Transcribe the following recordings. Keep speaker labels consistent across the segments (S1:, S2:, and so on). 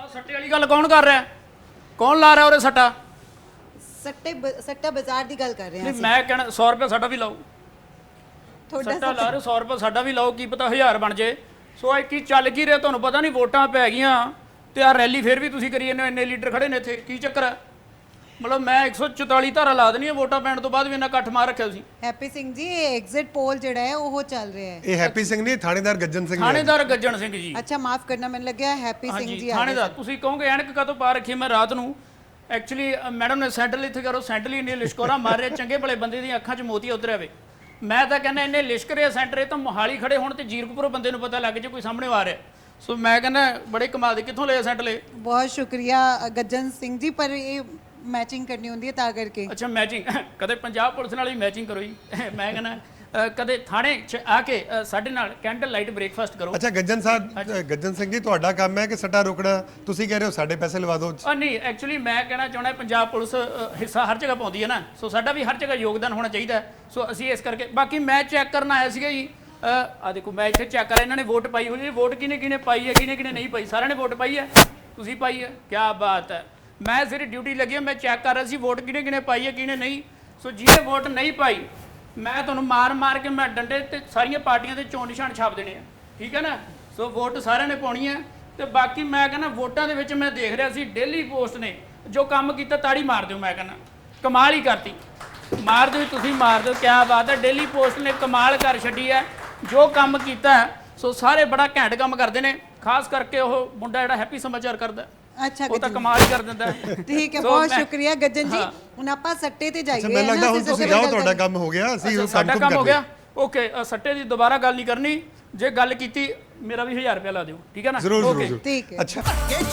S1: ਸੱਟੇ ਵਾਲੀ ਗੱਲ ਕੌਣ ਕਰ ਰਿਹਾ? ਕੌਣ ਲਾ ਰਿਹਾ ਉਰੇ ਸੱਟਾ?
S2: ਸੱਟਾ ਬਾਜ਼ਾਰ ਦੀ ਗੱਲ ਕਰ ਰਹੇ ਹਾਂ
S1: ਨਹੀਂ ਮੈਂ ਕਹਿਣਾ 100 ਰੁਪਏ ਸਾਡਾ ਵੀ ਲਾਓ।
S2: ਤੁਹਾਡਾ
S1: ਸੱਟਾ ਲਾ ਰਹੇ 100 ਰੁਪਏ ਸਾਡਾ ਵੀ ਲਾਓ, ਕੀ ਪਤਾ 1000 ਬਣ ਜੇ। ਸੋ ਇਹ ਕੀ ਚੱਲ ਕੀ ਰਿਹਾ ਤੁਹਾਨੂੰ ਪਤਾ ਨਹੀਂ, ਵੋਟਾਂ ਪੈ ਗਈਆਂ ਤੇ ਆ ਰੈਲੀ ਫਿਰ ਵੀ ਤੁਸੀਂ ਕਰੀ ਜਾਂਦੇ ਹੋ, ਇੰਨੇ ਲੀਡਰ ਖੜੇ ਨੇ ਇੱਥੇ, ਕੀ ਚੱਕਰ ਹੈ? ਮਤਲਬ ਮੈਂ 144 ਧਾਰਾ ਲਾ ਦੇਣੀ ਹੈ ਵੋਟਾਂ ਪੈਣ ਤੋਂ ਬਾਅਦ ਵੀ ਇੰਨਾ ਇਕੱਠ ਮਾਰ ਰੱਖਿਆ ਸੀ।
S2: ਹੈਪੀ ਸਿੰਘ ਜੀ ਇਹ ਐਗਜ਼ਿਟ ਪੋਲ ਜਿਹੜਾ ਹੈ ਉਹ ਚੱਲ ਰਿਹਾ ਹੈ।
S3: ਇਹ ਹੈਪੀ ਸਿੰਘ ਨਹੀਂ, ਥਾਣੇਦਾਰ ਗੱਜਣ ਸਿੰਘ ਨੇ।
S1: ਥਾਣੇਦਾਰ ਗੱਜਣ ਸਿੰਘ ਜੀ।
S2: ਅੱਛਾ ਮਾਫ ਕਰਨਾ, ਮੈਨੂੰ ਲੱਗਿਆ ਹੈਪੀ ਸਿੰਘ ਜੀ ਆ ਰਹੇ
S1: ਥਾਣੇਦਾਰ। ਤੁਸੀਂ ਕਹੋਗੇ ਐਨਕ ਕਦੋਂ ਪਾ ਰੱਖੀ ਮੈਂ ਰਾਤ ਨੂੰ? ਐਕਚੁਅਲੀ ਮੈਡਮ ਨੇ ਸੈਂਟਰਲ ਇੱਥੇ ਕਰੋ, ਸੈਂਟਰਲ ਇੰਨੇ ਲਿਸ਼ਕੋਰਾ ਮਾਰ ਰਿਹਾ, ਚੰਗੇ ਭਲੇ ਬੰਦੇ ਦੀਆਂ ਅੱਖਾਂ 'ਚ ਮੋਤੀ ਉਤਰਿਆ ਵੇ। ਮੈਂ ਤਾਂ ਕਹਿੰਦਾ ਇੰਨੇ ਲਿਸ਼ਕ ਰਿਹਾ ਸੈਂਟਰ, ਇਹ ਤਾਂ ਮੋਹਾਲੀ ਖੜੇ ਹੋਣ ਤੇ ਜੀਰਕਪੁਰੋਂ ਬੰਦੇ ਨੂੰ ਪਤਾ ਲੱਗ ਜੇ ਕੋਈ ਸਾਹਮਣੇ ਆ ਰਿਹਾ। ਸੋ ਮੈਂ ਕਹਿੰਦਾ ਬੜੇ ਕਮਾਲ ਦੇ, ਕਿੱਥੋਂ ਲਿਆ ਸੈਂਟਰ ਇਹ?
S2: ਬਹੁਤ ਸ਼ੁਕਰੀਆ ਗੱਜਨ ਸਿੰਘ ਜੀ, ਪਰ ਇਹ ਮੈਚਿੰਗ ਕਰਨੀ ਹੁੰਦੀ ਹੈ ਤਾਂ ਕਰਕੇ।
S1: ਅੱਛਾ ਮੈਚਿੰਗ, ਕਦੇ ਪੰਜਾਬ ਪੁਲਿਸ ਨਾਲ ਵੀ ਮੈਚਿੰਗ ਕਰੋ ਜੀ। ਮੈਂ ਕਹਿੰਦਾ ਕਦੇ ਥਾਣੇ 'ਚ ਆ ਕੇ ਸਾਡੇ ਨਾਲ ਕੈਂਡਲ ਲਾਈਟ ਬ੍ਰੇਕਫਾਸਟ ਕਰੋ।
S3: ਅੱਛਾ ਗੱਜਨ ਸਾਹਿਬ, ਗੱਜਨ ਸਿੰਘ ਜੀ ਤੁਹਾਡਾ ਕੰਮ ਹੈ ਕਿ ਸੱਟਾ ਰੋਕਣਾ? ਤੁਸੀਂ ਕਹਿ ਰਹੇ ਹੋ ਸਾਡੇ ਪੈਸੇ ਲਵਾ ਦਿਓ।
S1: ਨਹੀਂ ਐਕਚੁਅਲੀ ਮੈਂ ਕਹਿਣਾ ਚਾਹੁੰਦਾ ਪੰਜਾਬ ਪੁਲਿਸ ਹਿੱਸਾ ਹਰ ਜਗ੍ਹਾ ਪਾਉਂਦੀ ਹੈ ਨਾ, ਸੋ ਸਾਡਾ ਵੀ ਹਰ ਜਗ੍ਹਾ ਯੋਗਦਾਨ ਹੋਣਾ ਚਾਹੀਦਾ। ਸੋ ਅਸੀਂ ਇਸ ਕਰਕੇ, ਬਾਕੀ ਮੈਂ ਚੈੱਕ ਕਰਨ ਆਇਆ ਸੀਗਾ ਜੀ। ਆ ਦੇਖੋ ਮੈਂ ਇੱਥੇ ਚੈੱਕ ਕਰ, ਇਹਨਾਂ ਨੇ ਵੋਟ ਪਾਈ ਹੋਈ ਹੈ। ਵੋਟ ਕਿਹਨੇ ਪਾਈ ਹੈ, ਕਿਹਨੇ ਨਹੀਂ ਪਾਈ? ਸਾਰਿਆਂ ਨੇ ਵੋਟ ਪਾਈ ਹੈ, ਤੁਸੀਂ ਪਾਈ ਹੈ, ਕੀ ਬਾਤ ਹੈ। ਮੈਂ ਸਿਰ ਡਿਊਟੀ ਲੱਗੀ ਹੈ, ਮੈਂ ਚੈੱਕ ਕਰ ਰਿਹਾ ਸੀ ਵੋਟ ਕਿਹਨੇ ਪਾਈ ਹੈ ਕਿਹਨੇ ਨਹੀਂ। ਸੋ ਜਿਹਨੇ ਵੋਟ ਨਹੀਂ ਪਾਈ ਮੈਂ ਤੁਹਾਨੂੰ ਮਾਰ ਕੇ ਮੈਂ ਡੰਡੇ ਤੇ ਸਾਰੀਆਂ ਪਾਰਟੀਆਂ ਦੇ ਚੋਣ ਨਿਸ਼ਾਨ ਛਾਪ ਦੇਣੇ ਆ, ਠੀਕ ਹੈ ਨਾ। ਸੋ ਵੋਟ ਸਾਰਿਆਂ ਨੇ ਪਾਉਣੀ ਹੈ। ਤੇ ਬਾਕੀ ਮੈਂ ਕਹਿੰਦਾ ਵੋਟਾਂ ਦੇ ਵਿੱਚ ਮੈਂ ਦੇਖ ਰਿਹਾ ਸੀ ਡੇਲੀ ਪੋਸਟ ਨੇ ਜੋ ਕੰਮ ਕੀਤਾ, ਤਾੜੀ ਮਾਰ ਦਿਓ। ਮੈਂ ਕਹਿੰਦਾ ਕਮਾਲ ਹੀ ਕਰਤੀ, ਮਾਰ ਦਿਓ ਤੁਸੀਂ, ਮਾਰ ਦਿਓ, ਕਿਆ ਬਾਤ ਹੈ। ਡੇਲੀ ਪੋਸਟ ਨੇ ਕਮਾਲ ਕਰ ਛੱਡੀ ਹੈ ਜੋ ਕੰਮ ਕੀਤਾ। ਸੋ ਸਾਰੇ ਬੜਾ ਘੈਂਟ ਕੰਮ ਕਰਦੇ ਨੇ, ਖਾਸ ਕਰਕੇ ਉਹ ਮੁੰਡਾ ਜਿਹੜਾ ਹੈਪੀ ਸਮਾਚਾਰ ਕਰਦਾ,
S2: ਅੱਛਾ
S1: ਉਹ ਤਾਂ ਕਮਾਲ ਹੀ ਕਰ ਦਿੰਦਾ।
S2: ਠੀਕ ਹੈ, ਬਹੁਤ ਸ਼ੁਕਰੀਆ ਗੱਜਨ ਜੀ। ਹੁਣ ਆਪਾਂ ਸੱਟੇ ਤੇ ਜਾਈਏ।
S3: ਮੈਨੂੰ ਲੱਗਦਾ ਹੁਣ ਤੁਸੀਂ ਜਾਓ, ਤੁਹਾਡਾ ਕੰਮ ਹੋ ਗਿਆ, ਅਸੀਂ ਉਹ
S1: ਸਾਡਾ ਕੰਮ ਹੋ ਗਿਆ। ਓਕੇ, ਸੱਟੇ ਦੀ ਦੁਬਾਰਾ ਗੱਲ ਨਹੀਂ ਕਰਨੀ, ਜੇ ਗੱਲ ਕੀਤੀ ਮੇਰਾ ਵੀ 1000 ਰੁਪਏ ਲਾ ਦਿਓ, ਠੀਕ ਹੈ ਨਾ?
S3: ਜ਼ਰੂਰ।
S2: ਠੀਕ ਹੈ।
S3: ਅੱਛਾ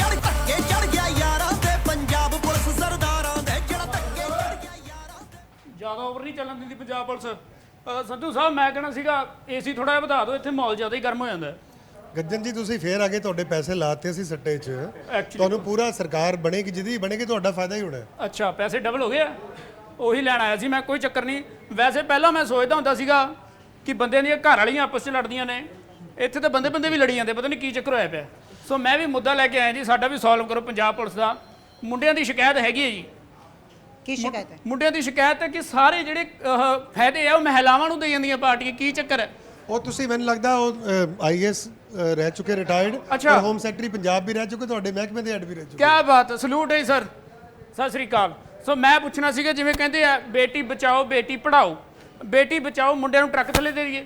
S4: ਚੜ ਗਿਆ ਯਾਰਾਂ ਤੇ ਪੰਜਾਬ ਪੁਲਿਸ ਸਰਦਾਰਾਂ ਦੇ, ਜਿਹੜਾ ਧੱਕੇ ਚੜ ਗਿਆ ਯਾਰਾਂ ਤੇ।
S1: ਜ਼ਿਆਦਾ ਓਵਰ ਨਹੀਂ ਚੱਲਣ ਦਿੰਦੀ ਪੰਜਾਬ ਪੁਲਿਸ। ਸੰਧੂ ਸਾਹਿਬ ਮੈਂ ਕਹਿਣਾ ਸੀਗਾ ਏਸੀ ਥੋੜਾ ਜਿਹਾ ਵਧਾ ਦਿਓ, ਇੱਥੇ ਮਾਹੌਲ ਜ਼ਿਆਦਾ ਹੀ ਗਰਮ ਹੋ ਜਾਂਦਾ।
S3: ਗੱਜਨ ਜੀ ਤੁਸੀਂ ਫੇਰ ਆ ਗਏ, ਤੁਹਾਡੇ ਪੈਸੇ ਲਾਤੇ ਸੀ ਸੱਟੇ 'ਚ, ਤੁਹਾਨੂੰ ਪੂਰਾ ਸਰਕਾਰ ਬਣੇਗੀ, ਜਿਹਦੀ ਬਣੇਗੀ ਤੁਹਾਡਾ ਫਾਇਦਾ ਹੀ ਹੋਣਾ।
S1: ਅੱਛਾ ਪੈਸੇ ਡਬਲ ਹੋ ਗਏ ਆ, ਉਹੀ ਲੈਣ ਆਇਆ ਸੀ ਮੈਂ, ਕੋਈ ਚੱਕਰ ਨਹੀਂ। ਵੈਸੇ ਪਹਿਲਾਂ ਮੈਂ ਸੋਚਦਾ ਹੁੰਦਾ ਸੀਗਾ ਕਿ ਬੰਦਿਆਂ ਦੀਆਂ ਘਰ ਵਾਲੀਆਂ ਆਪਸ 'ਚ ਲੜਦੀਆਂ ਨੇ, ਇੱਥੇ ਤਾਂ ਬੰਦੇ ਵੀ ਲੜੀ ਜਾਂਦੇ, ਪਤਾ ਨਹੀਂ ਕੀ ਚੱਕਰ ਹੋਇਆ ਪਿਆ। ਸੋ ਮੈਂ ਵੀ ਮੁੱਦਾ ਲੈ ਕੇ ਆਇਆ ਜੀ, ਸਾਡਾ ਵੀ ਸੋਲਵ ਕਰੋ ਪੰਜਾਬ ਪੁਲਿਸ ਦਾ। ਮੁੰਡਿਆਂ ਦੀ ਸ਼ਿਕਾਇਤ ਹੈਗੀ ਹੈ ਜੀ।
S2: ਕੀ ਸ਼ਿਕਾਇਤ ਹੈ?
S1: ਮੁੰਡਿਆਂ ਦੀ ਸ਼ਿਕਾਇਤ ਹੈ ਕਿ ਸਾਰੇ ਜਿਹੜੇ ਫਾਇਦੇ ਆ ਉਹ ਮਹਿਲਾਵਾਂ ਨੂੰ ਦੇ ਜਾਂਦੀਆਂ ਪਾਰਟੀਆਂ, ਕੀ ਚੱਕਰ ਹੈ?
S3: ਉਹ ਤੁਸੀਂ ਮੈਨੂੰ ਲੱਗਦਾ ਉਹ ਆਈਐਸ ਰਹਿ ਚੁੱਕੇ ਰਿਟਾਇਰਡ, ਔਰ ਹੋਮ ਸੈਕਟਰੀ ਪੰਜਾਬ ਵੀ ਰਹਿ ਚੁੱਕੇ, ਤੁਹਾਡੇ ਮਹਿਕਮੇ ਦੇ ਹੈਡ ਵੀ ਰਹਿ ਚੁੱਕੇ।
S1: ਕਿਆ ਬਾਤ ਹੈ, ਸਲੂਟ ਹੈ ਸਰ, ਸਤਿ ਸ੍ਰੀ ਅਕਾਲ। ਸੋ ਮੈਂ ਪੁੱਛਣਾ ਸੀਗਾ, ਜਿਵੇਂ ਕਹਿੰਦੇ ਆ ਬੇਟੀ ਬਚਾਓ ਬੇਟੀ ਪੜ੍ਹਾਓ, ਬੇਟੀ ਬਚਾਓ ਮੁੰਡਿਆਂ ਨੂੰ ਟਰੱਕ ਥੱਲੇ ਦੇ ਦਈਏ,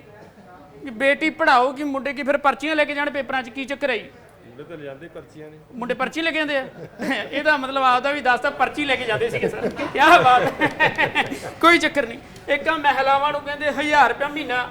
S1: ਕਿ ਬੇਟੀ ਪੜ੍ਹਾਓ ਕਿ ਮੁੰਡੇ ਕੀ ਫਿਰ ਪਰਚੀਆਂ ਲੈ ਕੇ ਜਾਣ ਪੇਪਰਾਂ 'ਚ, ਕੀ ਚੱਕਰ ਹੈ ਜੀ?
S5: ਮੁੰਡੇ ਤਾਂ ਜਾਂਦੇ ਪਰਚੀਆਂ ਨੇ,
S1: ਮੁੰਡੇ ਪਰਚੀ ਲੈ ਕੇ ਜਾਂਦੇ ਆ? ਇਹਦਾ ਮਤਲਬ ਆਪਦਾ ਵੀ ਦੱਸਦਾ, ਪਰਚੀ ਲੈ ਕੇ ਜਾਂਦੇ ਸੀਗੇ ਸਰ, ਕਿਆ ਬਾਤ ਹੈ। ਕੋਈ ਚੱਕਰ ਨਹੀਂ। ਇੱਕ ਆ ਮਹਿਲਾਵਾਂ ਨੂੰ ਕਹਿੰਦੇ 1000 ਰੁਪਇਆ ਮਹੀਨਾ,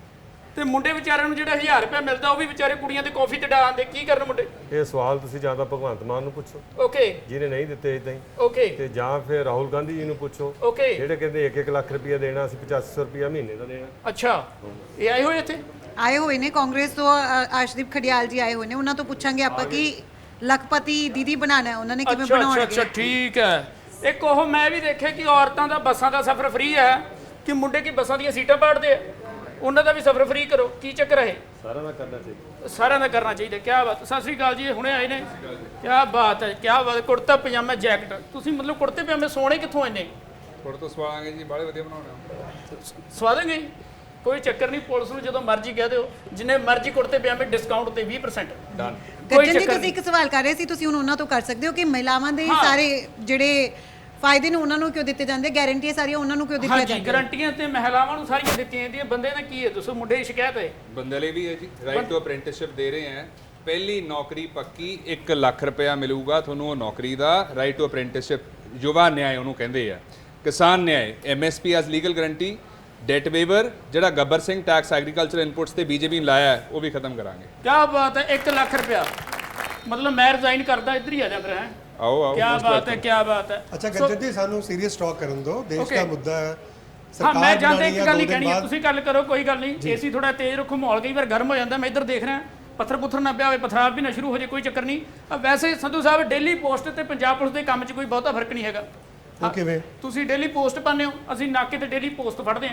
S1: ਤੇ ਮੁੰਡੇ ਵਿਚਾਰਿਆਂ ਨੂੰ ਜਿਹੜਾ 1000 ਰੁਪਇਆ ਮਿਲਦਾ ਉਹ ਵੀ ਵਿਚਾਰੇ ਕੁੜੀਆਂ ਦੇ ਕਾਫੀ ਤੇ ਡਾਲਦੇ, ਕੀ ਕਰਨ ਮੁੰਡੇ?
S5: ਇਹ ਸਵਾਲ ਤੁਸੀਂ ਜਾਂ ਤਾਂ ਭਗਵੰਤ ਮਾਨ ਨੂੰ ਪੁੱਛੋ,
S1: ਓਕੇ
S5: ਜਿਹਨੇ ਨਹੀਂ ਦਿੱਤੇ ਇਦਾਂ ਹੀ,
S1: ਓਕੇ
S5: ਤੇ ਜਾਂ ਫਿਰ ਰਾਹੁਲ ਗਾਂਧੀ ਜੀ ਨੂੰ ਪੁੱਛੋ,
S1: ਓਕੇ।
S5: ਜਿਹੜੇ ਕਹਿੰਦੇ 1-1 ਲੱਖ ਰੁਪਇਆ ਦੇਣਾ, ਅਸੀਂ 8500 ਰੁਪਇਆ ਮਹੀਨੇ ਦਾ ਦੇਣਾ।
S1: ਅੱਛਾ, ਇਹ ਆਏ ਹੋਏ ਇੱਥੇ?
S2: ਆਏ ਹੋਏ ਨੇ ਕਾਂਗਰਸ ਤੋਂ, ਆਸ਼ਦੀਪ ਖੜਿਆਲ ਜੀ ਆਏ ਹੋਏ ਨੇ, ਉਹਨਾਂ ਤੋਂ ਪੁੱਛਾਂਗੇ ਆਪਾਂ ਕਿ ਲੱਖਪਤੀ ਦੀਦੀ ਬਣਾਣਾ ਹੈ, ਉਹਨਾਂ ਨੇ ਕਿਵੇਂ ਬਣਾਉਣਾ ਹੈ।
S1: ਅੱਛਾ ਠੀਕ ਹੈ। ਇੱਕ ਉਹ ਮੈਂ ਵੀ ਦੇਖਿਆ ਕਿ ਔਰਤਾਂ ਦਾ ਬੱਸਾਂ ਦਾ ਸਫ਼ਰ ਫ੍ਰੀ ਹੈ, ਕਿ ਮੁੰਡੇ ਕੀ ਬੱਸਾਂ ਦੀਆਂ ਸੀਟਾਂ ਪਾੜਦੇ ਆ, ਉਹਨਾਂ ਦਾ ਵੀ ਸਫ਼ਰ ਫ੍ਰੀ ਕਰੋ, ਕੀ ਚੱਕਰ ਹੈ?
S5: ਸਾਰਿਆਂ ਦਾ ਕਰਨਾ ਚਾਹੀਦਾ,
S1: ਸਾਰਿਆਂ ਦਾ ਕਰਨਾ ਚਾਹੀਦਾ। ਕਿਆ ਬਾਤ। ਸਤਿ ਸ੍ਰੀ ਅਕਾਲ ਜੀ, ਹੁਣੇ ਆਏ ਨੇ, ਕਿਆ ਬਾਤ ਹੈ, ਕਿਆ ਬਾਤ। ਕੁੜਤਾ ਪਜਾਮਾ ਜੈਕਟ, ਤੁਸੀਂ ਮਤਲਬ ਕੁੜਤੇ ਪਜਾਮੇ ਸੋਹਣੇ ਕਿੱਥੋਂ ਇੰਨੇ?
S6: ਥੋੜੇ ਤੋਂ ਸਵਾਵਾਂਗੇ ਜੀ, ਬਾਲੇ ਵਧੀਆ ਬਣਾਉਣੇ।
S1: ਸਵਾ ਦੇਂਗੇ ਜੀ, ਕੋਈ ਚੱਕਰ ਨਹੀਂ। ਪੁਲਿਸ ਨੂੰ ਜਦੋਂ ਮਰਜ਼ੀ ਕਹਿ ਦਿਓ, ਜਿੰਨੇ ਮਰਜ਼ੀ ਕੁੜਤੇ ਪਜਾਮੇ ਡਿਸਕਾਊਂਟ ਤੇ 20% ਡਨ।
S2: ਗੱਜਨ ਜੀ ਤੁਸੀਂ ਇੱਕ ਸਵਾਲ ਕਰ ਰਹੇ ਸੀ, ਤੁਸੀਂ ਹੁਣ ਉਹਨਾਂ ਤੋਂ ਕਰ ਸਕਦੇ ਹੋ ਕਿ ਮਹਿਲਾਵਾਂ ਦੇ ਸਾਰੇ ਜਿਹੜੇ ਫਾਇਦੇ ਨੇ ਉਹਨਾਂ ਨੂੰ ਕਿਉਂ ਦਿੱਤੇ ਜਾਂਦੇ, ਗਾਰੰਟੀਆਂ ਸਾਰੀਆਂ ਉਹਨਾਂ ਨੂੰ ਕਿਉਂ ਦਿੱਤੀਆਂ
S1: ਹਾਂਜੀ,
S2: ਜਾਂਦੀਆਂ?
S1: ਗਾਰੰਟੀਆਂ ਤੇ ਮਹਿਲਾਵਾਂ ਨੂੰ ਸਾਰੀਆਂ ਦਿੱਤੀਆਂ ਜਾਂਦੀਆਂ। ਬੰਦੇ ਦਾ ਕੀ ਹੈ ਦੱਸੋ? ਮੁੰਡੇ ਦੀ ਸ਼ਿਕਾਇਤ ਹੈ,
S6: ਬੰਦੇ ਲਈ ਵੀ ਹੈ ਜੀ, ਰਾਈਟ ਟੂ ਅਪ੍ਰੈਂਟਿਸਸ਼ਿਪ ਦੇ ਰਹੇ ਹੈ। ਪਹਿਲੀ ਨੌਕਰੀ ਪੱਕੀ 1 ਲੱਖ ਰੁਪਇਆ ਮਿਲੂਗਾ ਤੁਹਾਨੂੰ ਉਹ ਨੌਕਰੀ ਦਾ, right to apprenticeship, Yuva Nyay ਉਹਨੂੰ ਕਹਿੰਦੇ ਆ। Kisan Nyay, MSP as legal guarantee, debt waiver, ਜਿਹੜਾ Gabbar Singh tax agriculture inputs ਤੇ ਬੀਜੇਪੀ ਨੇ ਲਾਇਆ ਉਹ ਵੀ ਖਤਮ ਕਰਾਂਗੇ।
S1: ਕਿਆ ਬਾਤ ਹੈ, 1 ਲੱਖ ਰੁਪਇਆ, ਮਤਲਬ ਮੈਂ ਰਿਜ਼ਾਈਨ ਕਰਦਾ, ਇੱਧਰ ਹੀ ਆ ਜਾ ਫਿਰ। ਹੈ
S5: ਆਓ
S1: ਕਿਆ ਬਾਤ ਹੈ, ਕਿਆ ਬਾਤ ਹੈ।
S3: ਅੱਛਾ ਗੱਜਨ ਜੀ ਸਾਨੂੰ ਸੀਰੀਅਸ ਟਾਕ ਕਰਨ ਦਿਓ, ਦੇਸ਼ ਦਾ ਮੁੱਦਾ ਹੈ।
S1: ਹਾਂ ਮੈਂ ਜਾਂਦੇ ਇੱਕ ਗੱਲ ਹੀ ਕਹਿਣੀ ਹੈ, ਤੁਸੀਂ ਗੱਲ ਕਰੋ, ਕੋਈ ਗੱਲ ਨਹੀਂ। ਏਸੀ ਥੋੜਾ ਤੇਜ਼ ਰੱਖੋ, ਮਾਹੌਲ ਕਈ ਵਾਰ ਗਰਮ ਹੋ ਜਾਂਦਾ। ਮੈਂ ਇੱਧਰ ਦੇਖ ਰਿਹਾ, ਪੱਥਰ ਪੁੱਥਰ ਨਾ ਪਿਆ ਹੋਵੇ, ਪਥਰਾਵ ਵੀ ਨਾ ਸ਼ੁਰੂ ਹੋ ਜਾਏ, ਕੋਈ ਚੱਕਰ ਨਹੀਂ। ਵੈਸੇ ਸੰਧੂ ਸਾਹਿਬ ਡੇਲੀ ਪੋਸਟ ਤੇ ਪੰਜਾਬ ਪੁਲਿਸ ਦੇ ਕੰਮ 'ਚ ਕੋਈ ਬਹੁਤਾ ਫਰਕ ਨਹੀਂ ਹੈਗਾ।
S3: ਕਿਵੇਂ
S1: ਤੁਸੀਂ ਡੇਲੀ ਪੋਸਟ ਪਾਉਂਦੇ ਹੋ, ਅਸੀਂ ਨਾਕੇ ਤੇ ਡੇਲੀ ਪੋਸਟ ਫੜਦੇ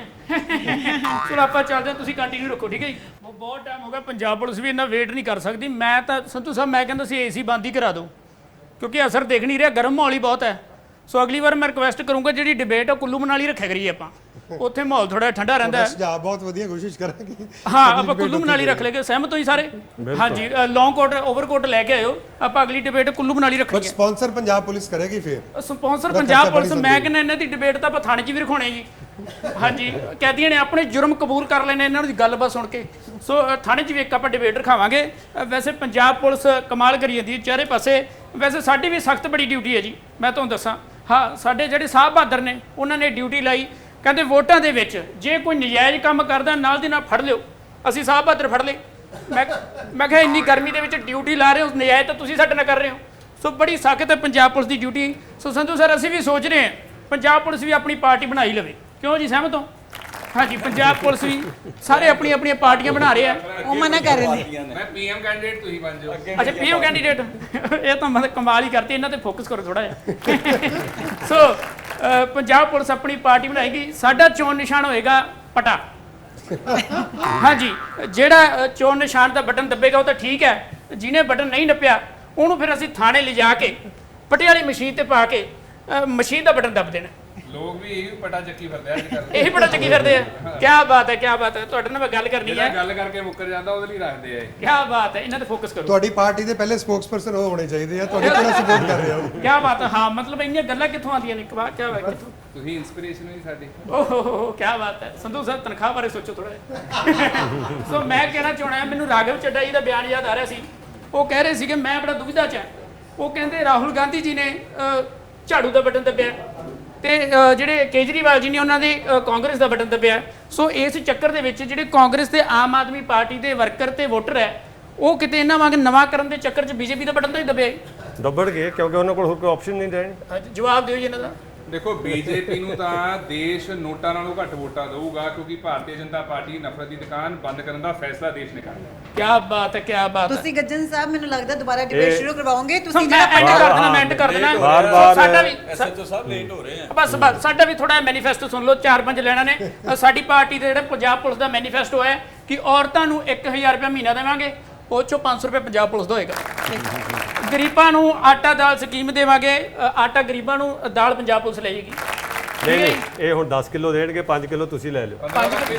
S1: ਹਾਂ। ਚਲੋ ਆਪਾਂ ਚੱਲਦੇ ਹਾਂ, ਤੁਸੀਂ ਕੰਟੀਨਿਊ ਰੱਖੋ, ਠੀਕ ਹੈ ਜੀ। ਬਹੁਤ ਟਾਈਮ ਹੋ ਗਿਆ, ਪੰਜਾਬ ਪੁਲਿਸ ਵੀ ਇੰਨਾ ਵੇਟ ਨਹੀਂ ਕਰ ਸਕਦੀ। ਮੈਂ ਤਾਂ ਸੰਧੂ ਸਾਹਿਬ ਮੈਂ ਕਹਿੰਦਾ ਸੀ ਏਸੀ ਬੰਦ ਹੀ ਕਰਾ ਦਿਓ, ਕਿਉਂਕਿ ਅਸਰ ਦੇਖ ਨਹੀਂ ਰਿਹਾ, ਗਰਮ ਮਾਹੌਲ ਹੀ ਬਹੁਤ ਹੈ। ਸੋ ਅਗਲੀ ਵਾਰ ਮੈਂ ਰਿਕੁਐਸਟ ਕਰੂੰਗਾ ਜਿਹੜੀ ਡਿਬੇਟ ਆ ਕੁੱਲੂ ਮਨਾਲੀ ਰੱਖਿਆ ਕਰੀਏ ਆਪਾਂ, ਉੱਥੇ ਮਾਹੌਲ ਥੋੜਾ ਠੰਡਾ ਰਹਿੰਦਾ ਹੈ।
S3: ਸੁਝਾਅ ਬਹੁਤ ਵਧੀਆ, ਕੋਸ਼ਿਸ਼ ਕਰਾਂਗੇ।
S1: ਹਾਂ ਆਪਾਂ ਕੁੱਲੂ ਮਨਾਲੀ ਰੱਖ ਲੇਗੇ, ਸਹਿਮਤ ਹੋ ਜੀ ਸਾਰੇ? ਹਾਂਜੀ ਲੌਂਗ ਕੋਟ ਓਵਰਕੋਟ ਲੈ ਕੇ ਆਇਓ, ਆਪਾਂ ਅਗਲੀ ਡਿਬੇਟ ਕੁੱਲੂ ਮਨਾਲੀ
S3: ਪਰ
S1: ਰੱਖਾਂਗੇ।
S3: ਸਪਾਂਸਰ ਪੰਜਾਬ ਪੁਲਿਸ ਕਰੇਗੀ ਫਿਰ।
S1: ਸਪਾਂਸਰ ਪੰਜਾਬ ਪੁਲਿਸ, ਮੈਂ ਕਹਿੰਦਾ ਇਹਨਾਂ ਦੀ ਡਿਬੇਟ ਤਾਂ ਆਪਾਂ ਥਾਣੇ 'ਚ ਵੀ ਰਖਾਉਣੇ ਜੀ। ਹਾਂਜੀ ਕੈਦੀਆਂ ਨੇ ਆਪਣੇ ਜੁਰਮ ਕਬੂਲ ਕਰ ਲੈਣੇ ਇਹਨਾਂ ਦੀ ਗੱਲਬਾਤ ਸੁਣ ਕੇ। ਸੋ ਥਾਣੇ 'ਚ ਵੀ ਇੱਕ ਆਪਾਂ ਡਿਬੇਟ ਰਖਾਵਾਂਗੇ। ਵੈਸੇ ਪੰਜਾਬ ਪੁਲਿਸ ਕਮਾਲ ਕਰੀ ਜਾਂਦੀ ਹੈ ਚਾਰੇ ਪਾਸੇ। ਵੈਸੇ ਸਾਡੀ ਵੀ ਸਖਤ ਬੜੀ ਡਿਊਟੀ ਹੈ ਜੀ, ਮੈਂ ਤੁਹਾਨੂੰ ਦੱਸਾਂ। ਹਾਂ ਸਾਡੇ ਜਿਹੜੇ ਸਾਹਿਬ ਬਹਾਦਰ ਨੇ ਉਹਨਾਂ ਨੇ ਡਿਊਟੀ ਲਾਈ, ਕਹਿੰਦੇ ਵੋਟਾਂ ਦੇ ਵਿੱਚ ਜੇ ਕੋਈ ਨਜਾਇਜ਼ ਕੰਮ ਕਰਦਾ ਨਾਲ ਦੀ ਨਾਲ ਫੜ ਲਿਓ। ਅਸੀਂ ਸਾਹਿਬ ਬਹਾਦਰ ਫੜ ਲਏ। ਮੈਂ ਕਿਹਾ ਇੰਨੀ ਗਰਮੀ ਦੇ ਵਿੱਚ ਡਿਊਟੀ ਲਾ ਰਹੇ ਹੋ, ਨਜਾਇਜ਼ ਤਾਂ ਤੁਸੀਂ ਸਾਡੇ ਨਾਲ ਕਰ ਰਹੇ ਹੋ। ਸੋ ਬੜੀ ਸਖਤ ਹੈ ਪੰਜਾਬ ਪੁਲਿਸ ਦੀ ਡਿਊਟੀ। ਸੋ ਸੰਧੂ ਸਰ ਅਸੀਂ ਵੀ ਸੋਚ ਰਹੇ ਹਾਂ ਪੰਜਾਬ ਪੁਲਿਸ ਵੀ ਆਪਣੀ ਪਾਰਟੀ ਬਣਾ ਹੀ ਲਵੇ, ਕਿਉਂ ਜੀ ਸਹਿਮਤ ਹੋ? ਹਾਂਜੀ ਪੰਜਾਬ ਪੁਲਿਸ ਵੀ ਸਾਰੇ ਆਪਣੀਆਂ ਆਪਣੀਆਂ ਪਾਰਟੀਆਂ ਬਣਾ ਰਹੇ ਆ।
S2: ਉਹ ਮਨਾ ਕਰ ਰਹੇ ਨੇ।
S6: ਮੈਂ ਪੀਐਮ ਕੈਂਡੀਡੇਟ ਤੁਸੀਂ ਬਣ ਜਾਓ।
S1: ਅੱਛਾ ਪੀਓ ਕੈਂਡੀਡੇਟ, ਇਹ ਤਾਂ ਮਤਲਬ ਕਮਾਲ ਹੀ ਕਰਤੀ। ਇਹਨਾਂ ਤੇ ਫੋਕਸ ਕਰੋ ਥੋੜਾ ਜਿਹਾ। ਸੋ ਪੰਜਾਬ ਪੁਲਿਸ ਆਪਣੀ ਪਾਰਟੀ ਬਣਾਏਗੀ। ਸਾਡਾ ਚੋਣ ਨਿਸ਼ਾਨ ਹੋਏਗਾ ਪਟਾ। ਹਾਂਜੀ ਜਿਹੜਾ ਚੋਣ ਨਿਸ਼ਾਨ ਦਾ ਬਟਨ ਦੱਬੇਗਾ ਉਹ ਤਾਂ ਠੀਕ ਹੈ, ਜਿਹਨੇ ਬਟਨ ਨਹੀਂ ਨੱਪਿਆ ਉਹਨੂੰ ਫਿਰ ਅਸੀਂ ਥਾਣੇ ਲਿਜਾ ਕੇ ਪਟੇ ਵਾਲੀ ਮਸ਼ੀਨ ਤੇ ਪਾ ਕੇ ਮਸ਼ੀਨ ਦਾ ਬਟਨ ਦੱਬ ਦੇਣਾ।
S6: ਲੋਕ ਵੀ ਇਹ ਪਟਾ ਚੱਕੀ ਫਿਰਦੇ ਅੱਜ ਕੱਲ੍ਹ।
S1: ਇਹੀ ਬੜਾ ਚੱਕੀ ਫਿਰਦੇ ਆ। ਕੀ ਬਾਤ ਹੈ, ਕੀ ਬਾਤ ਹੈ। ਤੁਹਾਡੇ ਨਾਲ ਮੈਂ ਗੱਲ ਕਰਨੀ
S6: ਜਿਹੜਾ
S1: ਹੈ।
S6: ਗੱਲ ਕਰਕੇ ਮੁੱਕਰ ਜਾਂਦਾ ਉਹਦੇ ਲਈ ਰੱਖਦੇ ਆ ਇਹ।
S1: ਕੀ ਬਾਤ ਹੈ, ਇਹਨਾਂ ਤੇ ਫੋਕਸ ਕਰੋ।
S3: ਤੁਹਾਡੀ ਪਾਰਟੀ ਦੇ ਪਹਿਲੇ ਸਪੋਕਸਪਰਸਨ ਉਹ ਹੋਣੇ ਚਾਹੀਦੇ ਆ, ਤੁਹਾਡੇ ਪੂਰਾ ਸਪੋਰਟ ਕਰ ਰਹੇ ਹੋ।
S1: ਕੀ ਬਾਤ ਹੈ। ਹਾਂ ਮਤਲਬ ਇੰਨੀਆਂ ਗੱਲਾਂ ਕਿੱਥੋਂ ਆਉਂਦੀਆਂ ਨੇ? ਕੀ ਬਾਤ ਕਿੱਥੋਂ?
S6: ਤੁਸੀਂ ਇਨਸਪੀਰੇਸ਼ਨ ਹੋ ਜੀ ਸਾਡੀ।
S1: ਓਹ ਕੀ ਬਾਤ ਹੈ। ਸੰਧੂ ਸਾਹਿਬ ਤਨਖਾਹ ਬਾਰੇ ਸੋਚੋ ਥੋੜਾ ਜਿਹਾ। ਸੋ ਮੈਂ ਕਹਿਣਾ ਚਾਹਣਾ, ਮੈਨੂੰ ਰਾਘਵ ਚੱਡਾ ਜੀ ਦਾ ਬਿਆਨ ਯਾਦ ਆ ਰਿਹਾ ਸੀ। ਉਹ ਕਹਿ ਰਹੇ ਸੀਗੇ ਮੈਂ ਬੜਾ ਦੁਵਿਧਾ 'ਚ ਹਾਂ। ਉਹ ਕਹਿੰਦੇ ਰਾਹੁਲ ਗਾਂਧੀ ਜੀ ਨੇ ਝਾੜੂ ਦਾ ਬਟਨ ਦੱਬਿਆ ਤੇ ਜਿਹੜੇ ਕੇਜਰੀਵਾਲ ਜੀ ਨੇ ਉਹਨਾਂ ਦੇ ਕਾਂਗਰਸ ਦਾ ਬਟਨ ਦੱਬਿਆ। ਸੋ ਇਸ ਚੱਕਰ ਦੇ ਵਿੱਚ ਜਿਹੜੇ ਕਾਂਗਰਸ ਤੇ ਆਮ ਆਦਮੀ ਪਾਰਟੀ ਦੇ ਵਰਕਰ ਤੇ ਵੋਟਰ ਹੈ ਉਹ ਕਿਤੇ ਇਹਨਾਂ ਵਾਂਗ ਨਵਾਂ ਕਰਨ ਦੇ ਚੱਕਰ 'ਚ ਬੀਜੇਪੀ ਦਾ ਬਟਨ ਤਾਂ ਹੀ ਦੱਬਿਆ।
S5: ਦੱਬੜਗੇ ਕਿਉਂਕਿ ਉਹਨਾਂ ਕੋਲ ਹੋਰ ਕੋਈ ਆਪਸ਼ਨ ਨਹੀਂ ਰਹਿਣੀ।
S1: ਜਵਾਬ ਦਿਓ ਜੀ ਇਹਨਾਂ ਦਾ।
S6: ਦੇਖੋ ਬੀਜੇਪੀ ਨੂੰ ਤਾਂ ਦੇਸ਼ ਨੋਟਾਂ ਨਾਲੋਂ ਘੱਟ ਵੋਟਾਂ ਦੇਊਗਾ, ਕਿਉਂਕਿ ਭਾਰਤੀ ਜਨਤਾ ਪਾਰਟੀ ਨਫ਼ਰਤ ਦੀ ਦੁਕਾਨ ਬੰਦ ਕਰਨ ਦਾ ਫੈਸਲਾ ਦੇਸ਼ ਨੇ ਕਰਨਾ।
S1: ਕੀ ਬਾਤ ਹੈ, ਕੀ ਬਾਤ ਹੈ।
S2: ਤੁਸੀਂ ਗੱਜਨ ਸਾਹਿਬ ਮੈਨੂੰ ਲੱਗਦਾ ਦੁਬਾਰਾ ਡਿਬੇਟ ਸ਼ੁਰੂ ਕਰਵਾਓਗੇ। ਤੁਸੀਂ
S1: ਮੈਂ ਐਂਡ ਕਰ ਦੇਣਾ, ਮੈਂ ਐਂਡ ਕਰ ਦੇਣਾ। ਸਾਡਾ ਵੀ
S7: ਐਸਐਚਓ ਸਾਹਿਬ ਲੇਟ ਹੋ ਰਹੇ ਆ।
S1: ਬਸ ਸਾਡਾ ਵੀ ਥੋੜਾ ਮੈਨੀਫੈਸਟੋ ਸੁਣ ਲਓ, 4-5 ਲੈਣਾ ਨੇ। ਸਾਡੀ ਪਾਰਟੀ ਦੇ ਜਿਹੜਾ ਪੰਜਾਬ ਪੁਲਿਸ ਦਾ ਮੈਨੀਫੈਸਟੋ ਹੈ ਕਿ ਔਰਤਾਂ ਨੂੰ 1000 ਰੁਪਏ ਮਹੀਨਾ ਦੇਵਾਂਗੇ, ਉਹ ਚੋਂ 500 ਰੁਪਏ ਪੰਜਾਬ ਪੁਲਿਸ ਦਾ ਹੋਏਗਾ। ਗਰੀਬਾਂ ਨੂੰ ਆਟਾ ਦਾਲ ਸਕੀਮ ਦੇਵਾਂਗੇ, ਆਟਾ ਗਰੀਬਾਂ ਨੂੰ ਦਾਲ ਪੰਜਾਬ ਪੁਲਿਸ ਲੈ ਜਾਏਗੀ।
S5: ਨਹੀਂ ਇਹ ਹੁਣ 10 ਕਿਲੋ ਦੇਣਗੇ, 5 ਕਿਲੋ ਤੁਸੀਂ ਲੈ ਲਿਓ।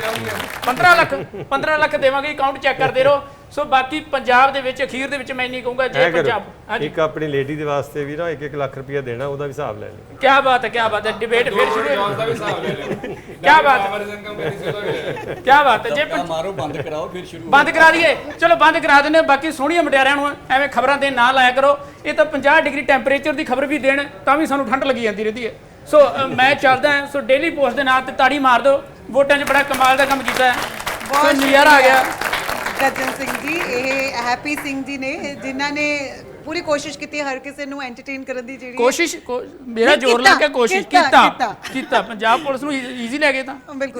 S1: 15 ਲੱਖ ਦੇਵਾਂਗੇ, ਅਕਾਊਂਟ ਚੈੱਕ ਕਰਦੇ ਰਹੋ। ਸੋ ਬਾਕੀ ਪੰਜਾਬ ਦੇ ਵਿੱਚ ਅਖੀਰ ਦੇ ਵਿੱਚ ਮੈਂ ਨਹੀਂ ਕਹੂੰਗਾ ਜੇ ਪੰਜਾਬ
S5: ਇੱਕ ਆਪਣੀ ਲੇਡੀ ਦੇ ਵਾਸਤੇ ਵੀ ਨਾ 1-1 ਲੱਖ ਰੁਪਇਆ ਦੇਣਾ, ਉਹਦਾ ਵੀ ਹਿਸਾਬ ਲੈ ਲਿਓ।
S1: ਕੀ ਬਾਤ ਹੈ, ਕੀ ਬਾਤ ਹੈ। ਡਿਬੇਟ ਫਿਰ ਸ਼ੁਰੂ ਹੋ
S6: ਦਾ ਵੀ ਹਿਸਾਬ ਲੈ ਲਿਓ।
S1: ਕੀ ਬਾਤ ਹੈ, ਕੀ ਬਾਤ ਹੈ। ਜੇ
S7: ਮਾਰੋ ਬੰਦ ਕਰਾਓ ਫਿਰ ਸ਼ੁਰੂ।
S1: ਬੰਦ ਕਰਾ ਦਈਏ, ਚਲੋ ਬੰਦ ਕਰਾ ਦਿੰਦੇ। ਬਾਕੀ ਸੋਹਣੀਆਂ ਮੁਟਿਆਰਿਆਂ ਨੂੰ ਐਵੇਂ ਖਬਰਾਂ ਦੇ ਨਾ ਲਾਇਆ ਕਰੋ। ਇਹ ਤਾਂ 50 ਡਿਗਰੀ ਟੈਂਪਰੇਚਰ ਦੀ ਖਬਰ ਵੀ ਦੇਣ ਤਾਂ ਵੀ ਸਾਨੂੰ ਠੰਡ ਲੱਗੀ ਜਾਂਦੀ ਰਹਿੰਦੀ ਹੈ। ਸੋ ਮੈਂ ਚੱਲਦਾ ਹਾਂ। ਸੋ ਡੇਲੀ ਪੋਸਟ ਦੇ ਨਾਂ ਤੇ ਤਾੜੀ ਮਾਰ ਦਿਓ। ਵੋਟਾਂ 'ਚ ਬੜਾ ਕਮਾਲ ਦਾ ਕੰਮ ਕੀਤਾ ਹੈ, ਬਹੁਤ ਨਜ਼ਾਰਾ ਆ ਗਿਆ।
S2: ਗੱਜਨ ਸਿੰਘ ਜੀ, ਇਹ ਹੈਪੀ ਸਿੰਘ ਜੀ ਨੇ ਜਿਨ੍ਹਾਂ ਨੇ ਪੂਰੀ ਕੋਸ਼ਿਸ਼ ਕੀਤੀ ਹਰ ਕਿਸੇ ਨੂੰ ਐਂਟਰਟੇਨ ਕਰਨ ਦੀ। ਜਿਹੜੀ
S1: ਕੋਸ਼ਿਸ਼ ਮੇਰਾ ਜ਼ੋਰ ਲਾ ਕੇ ਕੋਸ਼ਿਸ਼ ਕੀਤਾ ਪੰਜਾਬ ਪੁਲਿਸ ਨੂੰ ਈਜ਼ੀ ਲੈ ਗਏ ਤਾਂ
S2: ਬਿਲਕੁਲ।